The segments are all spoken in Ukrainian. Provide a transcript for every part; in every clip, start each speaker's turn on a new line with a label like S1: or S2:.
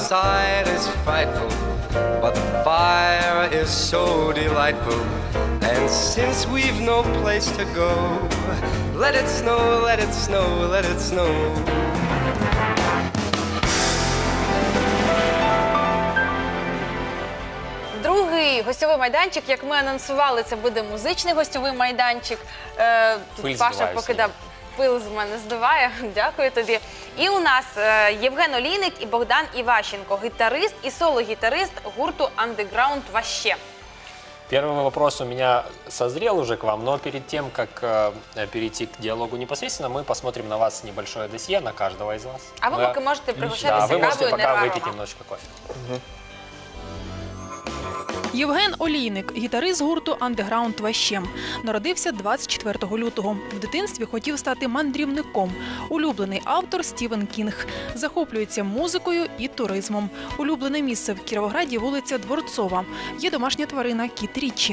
S1: outside is frightful, but the fire is so delightful. And since we've no place to go, let it snow, let it snow, let it snow.
S2: Другий гостьовий майданчик, як ми анонсували, це буде музичний гостьовий майданчик. Тут Паша покидав, пил з мене здуває, дякую тобі. І у нас Євген Олійник і Богдан Іващенко, гітарист і соло-гітарист гурту «Андеграунд Ваще».
S3: Первый вопрос у меня созрел уже к вам, но перед тем, как перейти к диалогу непосредственно, мы посмотрим на вас небольшое досье, на каждого из вас.
S2: А вы пока можете пригощаться
S3: вы можете
S2: кавою
S3: пока
S2: «Нерварома».
S3: выпить немножечко кофе.
S4: Євген Олійник, гітарист гурту «Андеграунд Ваще». Народився 24 лютого. В дитинстві хотів стати мандрівником. Улюблений автор – Стівен Кінг. Захоплюється музикою і туризмом. Улюблене місце в Кіровограді – вулиця Дворцова. Є домашня тварина – кіт Річі.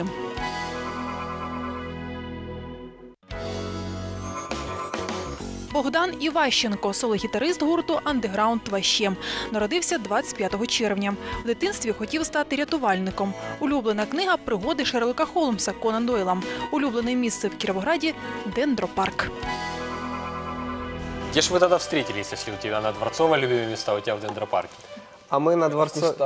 S4: Богдан Іващенко – соло-гітарист гурту «Андеграунд Ваще». Народився 25 червня. В дитинстві хотів стати рятувальником. Улюблена книга – пригоди Шерлока Холмса Конан Дойла. Улюблене місце в Кіровограді – Дендропарк.
S3: Где ж вы тогда встретились, если у тебя на Дворцово любимые места, у тебя в Дендропарке?
S5: А ми на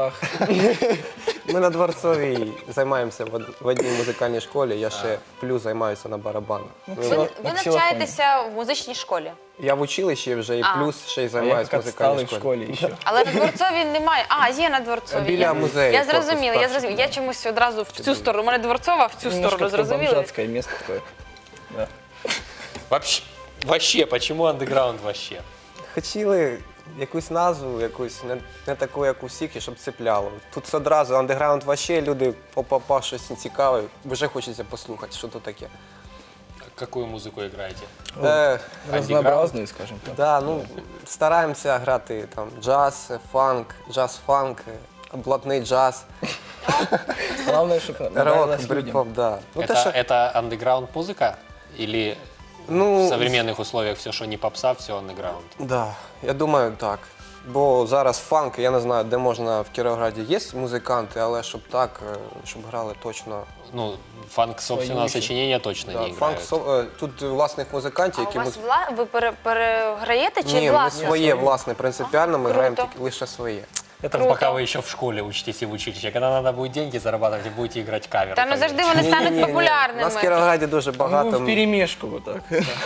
S5: Дворцовій займаємося в одній музикальній школі. Я ще плюс займаюся на барабанах.
S2: Ви навчаєтеся в музичній школі?
S5: Я в училищі вже і плюс ще й займаюся в музикальній школі.
S6: Але на Дворцовій немає. А, є на Дворцовій.
S5: Біля музею.
S2: Я зрозуміла. Я чомусь одразу в цю сторону. У мене Дворцова в цю сторону, зрозуміли?
S6: Бомжатське місто таке.
S3: Вообще, почему андеграунд вообще?
S5: Хотіли якусь назву, якусь не таку, як у всіх, і щоб цепляло. Тут одразу андеграунд Ваще, люди попав щось цікаве, вже хочеться послухати, що то таке.
S3: Какую музыку играете?
S6: Разнообразную, скажем так.
S5: Да, ну, стараємося грати там джаз, фанк, джаз-фанк, блатний джаз.
S6: Главное, чтобы
S5: Рок,
S6: нравилось людям.
S5: брит-поп, да. Ну,
S3: Это андеграунд музыка? Или в современных условиях все, що не попса, все андеграунд?
S5: Да, я думаю, так. Бо зараз фанк, я не знаю, де можна в Кіровограді є музиканти, але щоб так, щоб грали точно.
S3: Ну, фанк собственного сочинения точно не играют.
S5: Тут власних музикантів,
S2: А у
S5: які...
S2: вас ви переграєте чи
S5: Ні, ми
S2: власне?
S5: своє, власне, принципіально, ми граємо
S2: круто.
S5: тільки лише своє.
S3: Это пока вы еще в школе учитесь и в училище. Когда надо будет деньги зарабатывать, вы будете играть кавер.
S2: Та ну завжди вони стануть
S5: У нас в
S2: популярними.
S5: Кіровограді дуже
S6: Ну,
S5: багато.
S6: вперемешку вот так.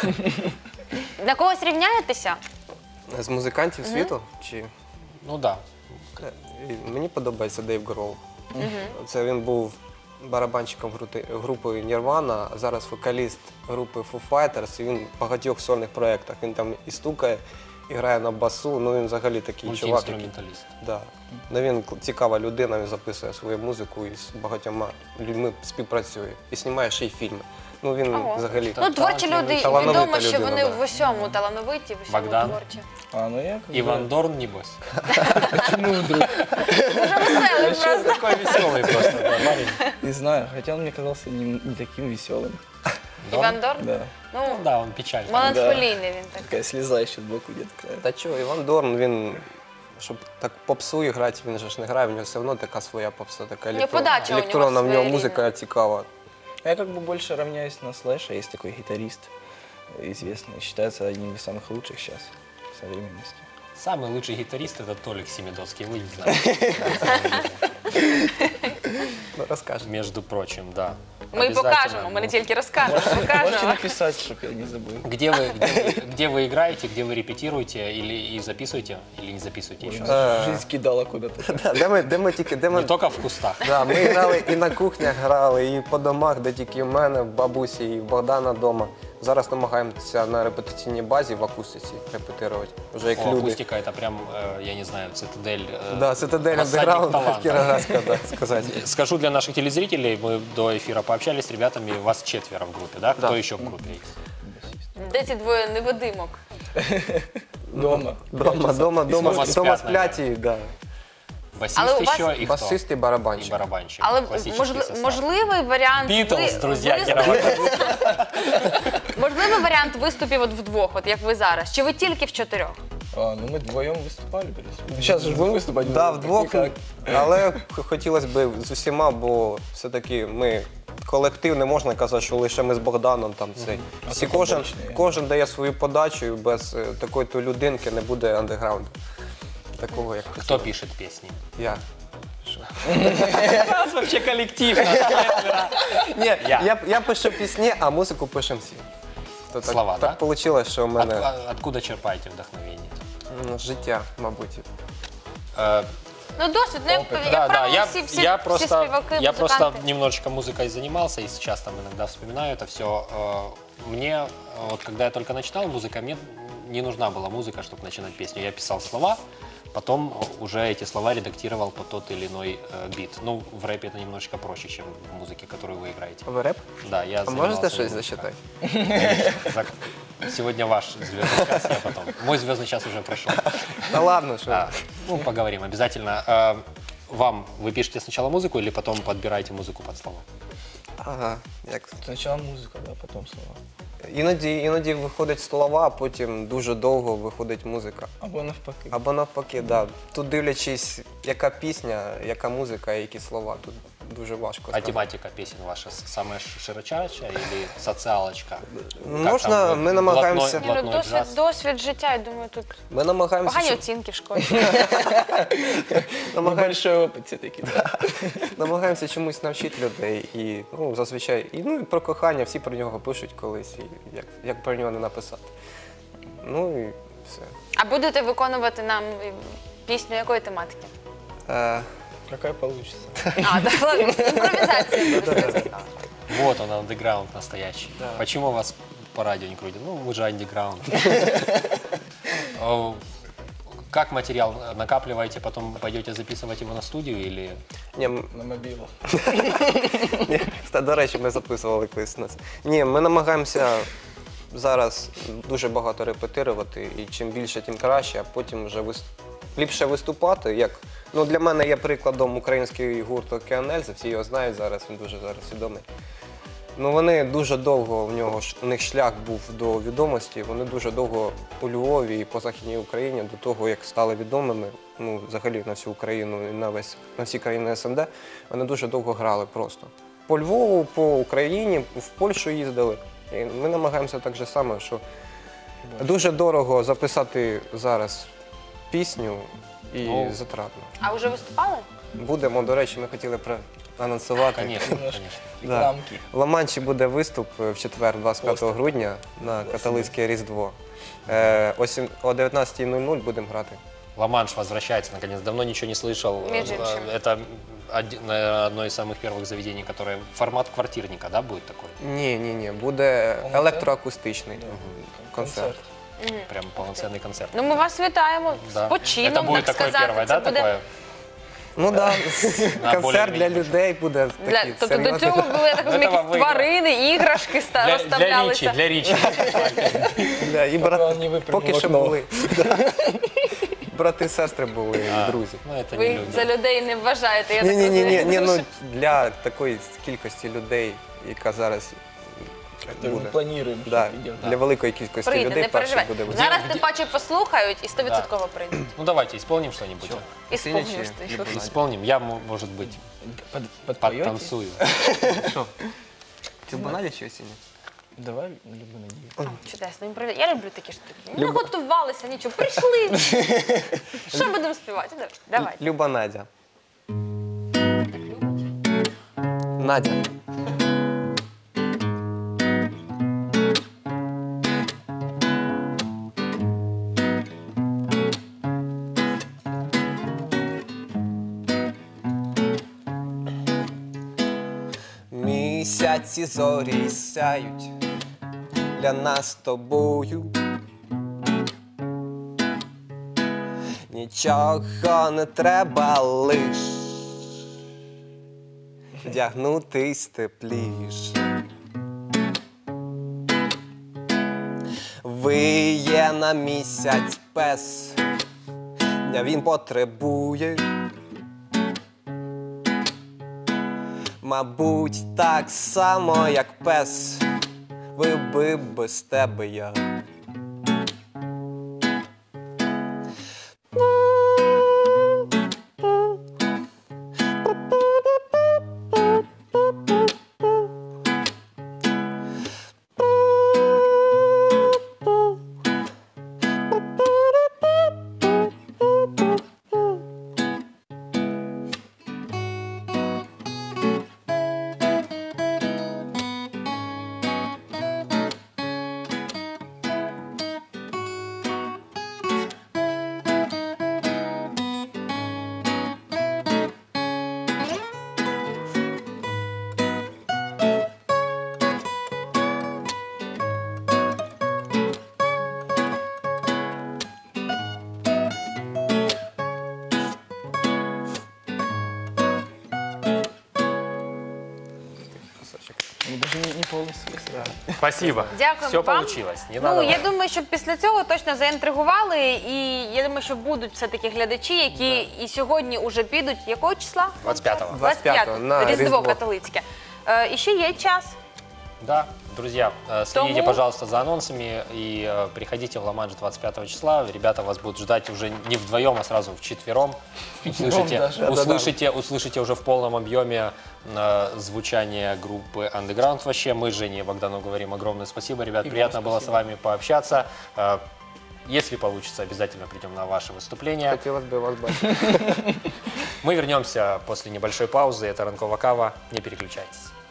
S2: На когось рівняєтеся?
S5: З музикантів світу? Чи...
S3: Ну да.
S5: Мені подобається Дейв Гроул. Це він був барабанщиком групи Nirvana, а зараз вокаліст групи Foo Fighters, і він в багатьох сольних проєктах. Він там і стукає, і грає на басу, ну він взагалі такий чувак.
S3: Мультиінструменталіст.
S5: Да. Ну, він цікава людина, він записує свою музику і з багатьма людьми співпрацює. І знімає ще й фільми. Ну він взагалі
S2: Ну, творчі люди,
S5: талановита
S2: відомо, що
S5: людина,
S2: вони
S5: да.
S2: в усьому талановиті, в усьому
S3: Богдан?
S2: творчі.
S6: А, ну я...
S3: Иван Дорн, небось.
S6: Почему вдруг?
S2: Дуже веселий просто.
S3: Такой веселый просто парень.
S6: Не знаю, хотя он мне казался не таким веселым.
S2: Іван Дорн?
S6: Да.
S2: Ну,
S3: Да, он печальный.
S2: меланхолійний він такий.
S6: Такая слеза еще сбоку где-то.
S5: Та чого, Іван Дорн, він, щоб так попсу і грати, він же ж не грає, в нього все одно така своя попса, така
S2: подача у нього
S5: електронна, в нього
S2: своєрідна.
S5: музика цікава.
S6: Я как бы больше равняюсь на Слэша, есть такой гитарист известный, считается одним из самых лучших сейчас в современности.
S3: Самый лучший гитарист это Толик Семидоцкий, вы не знаете.
S5: Ну, розкажи.
S3: Между прочим, да.
S2: Ми покажемо, ми не тільки розкажемо,
S6: Можете
S2: покажемо.
S6: написать, чтобы я не забыл.
S3: Где вы играете, где вы репетируете или записываете, или не записываете еще?
S6: Жизнь кидала куда-то.
S5: Де ми тільки, де
S3: Не
S5: ми...
S3: только в кустах.
S5: Да, ми грали і на кухнях грали, і по домах, де тільки в мене, в бабусі, і в Богдана вдома. Зараз намагаємося на репетиційній базі в акустиці репетирувати. Вже як люди.
S3: Акустика это прям, я не знаю, цитадель.
S5: Да, цитадель
S3: рассадник
S5: андеграунда
S3: таланта.
S5: Кіровоградська, так сказати.
S3: Скажу для наших телезрителей, мы до эфира пообщались с ребятами, вас 4 в группе, да? Кто еще в группе есть?
S2: Де ці двоє невидимок?
S6: Дома.
S5: Дома
S3: спят,
S5: сплять і, да.
S3: Басист
S2: Але у вас-
S3: еще и кто?
S5: Басист і
S3: И
S5: барабанщик.
S3: барабанщик.
S2: Але
S3: Классический состав.
S2: можливий варіант...
S3: Beatles, друзья,
S2: ви-
S3: Кіровоград.
S2: Можливий варіант виступів от вдвох, от як ви зараз? Чи ви тільки в 4?
S6: Ну мы вдвоем выступали. Сейчас же будем выступать.
S5: Да, вдвох, але хотілося б з усіма, бо все-таки ми колектив, не можна казати, що лише ми з Богданом там цей. Всі, кожен дає свою подачу, і без такої-то людинки не буде андеграунду. Такого, як
S3: Кто пишет песни?
S5: я.
S3: У нас вообще коллектив.
S5: Ні, я пишу пісні, а музику пишемо всі. То
S3: Слова,
S5: так вийшло, що в мене
S3: Откуда черпаете вдохновение?
S5: життя, мабуть.
S2: Ну, досвід, ну, як
S3: Да,
S2: правило, всі
S3: я
S2: співаки,
S3: просто
S2: музиканти.
S3: немножечко музыкой занимался и сейчас там иногда вспоминаю это все. Мне, вот когда я только начинал музыкой, мне не нужна была музыка, чтобы начинать песню. Я писал слова, потом уже эти слова редактировал под тот или иной бит. Ну, в рэпе это немножечко проще, чем в музыке, которую вы играете.
S5: В реп?
S3: Да, я
S5: А можете
S3: занимался
S5: щось
S3: этим.
S5: зачитати?
S3: Сегодня ваш звездный час, я потом. Мой звездный час уже прошел.
S5: Та ладно, що.
S3: Ну, поговорим обязательно. Вы пишете сначала музыку или потом подбираете музыку под слова?
S5: Ага, як.
S6: Сначала музыка, да, потом слова.
S5: Іноді виходять слова, а потім дуже довго виходить музика.
S6: Або навпаки.
S5: Або навпаки, да. Тут дивлячись, яка пісня, яка музика, які слова. Тут дуже важко
S3: А
S5: сказати.
S3: тематика песен ваша самая широчайшая или социалочка?
S5: Можна, ми намагаємося.
S2: Ні, ну, досвід життя, я думаю, тут
S5: Ми намагаємося,
S2: погані
S5: щоб-
S2: оцінки в школі.
S6: Небольшой опыт все-таки, да.
S5: намагаємося чомусь навчити людей. І зазвичай, і про кохання всі про нього пишуть колись, і як про нього не написати. Ну і все.
S2: А будете виконувати нам пісню якої тематики?
S6: Какая получится.
S2: А, так, ладно, імпровізація. просто цікаво.
S3: Вот он, андеграунд настоящий. Почему вас по радио не крутят? Ну, вы же андеграунд. Как материал накапливаете, потом пойдете записывать его на студию или...
S5: Ні,
S6: На мобилу.
S5: Ні, до речі, ми записували колись нас. Ні, ми намагаємося зараз дуже багато репетирувати, і чим більше, тим краще, а потім вже ліпше виступати. Як, ну, для мене є прикладом український гурт «Океан Ельзи», всі його знають зараз, він дуже зараз відомий. Ну, вони дуже довго, у них шлях був до відомості, вони дуже довго у Львові і по Західній Україні, до того, як стали відомими, ну, взагалі на всю Україну і на всі країни СНД, вони дуже довго грали просто. По Львову, по Україні, в Польщу їздили. І ми намагаємося так же само, що дуже дорого записати зараз пісню і затратно.
S2: А вже виступали?
S5: Будемо, до речі, ми хотіли анонсувати.
S3: Конечно, конечно.
S6: Рекламки.
S5: В Ла-Манші буде виступ в четвер, 25 грудня, на католицьке Різдво. О 19:00 будемо грати.
S3: Ла-Манш возвращается, наконец. Давно ничего не слышал.
S2: Между прочим.
S3: Это наверное, одно из самых первых заведений, которое... Формат квартирника, да, будет такой?
S5: Ні, буде електроакустичний концерт.
S3: Прям полноценный концерт.
S2: Ну, ми вас вітаємо з
S3: Да.
S2: почином,
S3: Это будет
S2: так
S3: такое
S2: сказати.
S3: первое,
S2: Це
S3: да,
S2: буде
S3: такое?
S5: Ну так, концерт
S3: более-менее
S5: для людей буде
S2: для...
S5: такий
S2: Тобто до
S5: серйозний.
S2: цього були, я так розумію,
S3: Этого
S2: якісь тварини, іграшки
S3: Для
S2: розставлялися.
S3: Ричи.
S5: Да, і
S6: он не выпрыгнул
S5: поки
S6: в
S5: що
S6: окно.
S5: були. Брати, сестри були, і друзі.
S3: Ну, это
S2: Ви
S3: не
S2: їх за
S3: люди.
S2: людей не вважаєте, я так
S5: Ні,
S2: розумію.
S5: ну для такої кількості людей, яка зараз
S6: Мы
S5: буде.
S6: планируем,
S5: Да,
S6: что идем.
S5: для великої кількості
S2: Прийде,
S5: людей
S2: не
S5: перший
S2: переживай.
S5: буде виступ.
S2: Зараз тим паче послухають і 100% прийдуть.
S3: Ну, давайте, исполним что-нибудь.
S2: І
S5: Сильніші,
S2: сповнюєш ти.
S3: Исполним. Я, может быть,
S6: Подпоете?
S3: подтанцую.
S5: Що? Ти в баналі чи осіння?
S6: Давай, люблю надеюсь.
S2: Чудесно, я люблю такі штуки. Не готувалися, нічого, прийшли. Що будемо співати? Давай.
S5: Люба Надя. Надя. Місяці зорі сяють для нас з тобою. Нічого не треба лиш вдягнутись тепліш. Виє на місяць пес, дня він потребує. Мабуть, так само, як пес, вибив без тебе я.
S3: Спасибо.
S2: Дякуємо
S3: Все
S2: вам.
S3: получилось. Не надо.
S2: Ну, я думаю, що після цього точно заінтригували, і я думаю, що будуть все-таки глядачі, які і сьогодні уже підуть. Якого числа?
S3: 25-го.
S5: 25-го, на
S2: Різдво
S5: Різдво.
S2: католицьке. І ще є час.
S3: Да, друзья, следите,
S2: Тому-
S3: пожалуйста, за анонсами и приходите в Ла-Манш 25 числа. Ребята вас будут ждать уже не вдвоем, а сразу вчетвером. Услышите уже в полном объеме звучание группы Underground вообще. Мы с Женей и Богдану говорим огромное спасибо, ребят.
S6: И
S3: Приятно
S6: вам
S3: было с
S6: спасибо.
S3: вами пообщаться. Если получится, обязательно придем на ваше выступление.
S5: Хотілося б вас бачити.
S3: Мы вернемся после небольшой паузы. Это Ранкова Кава. Не переключайтесь.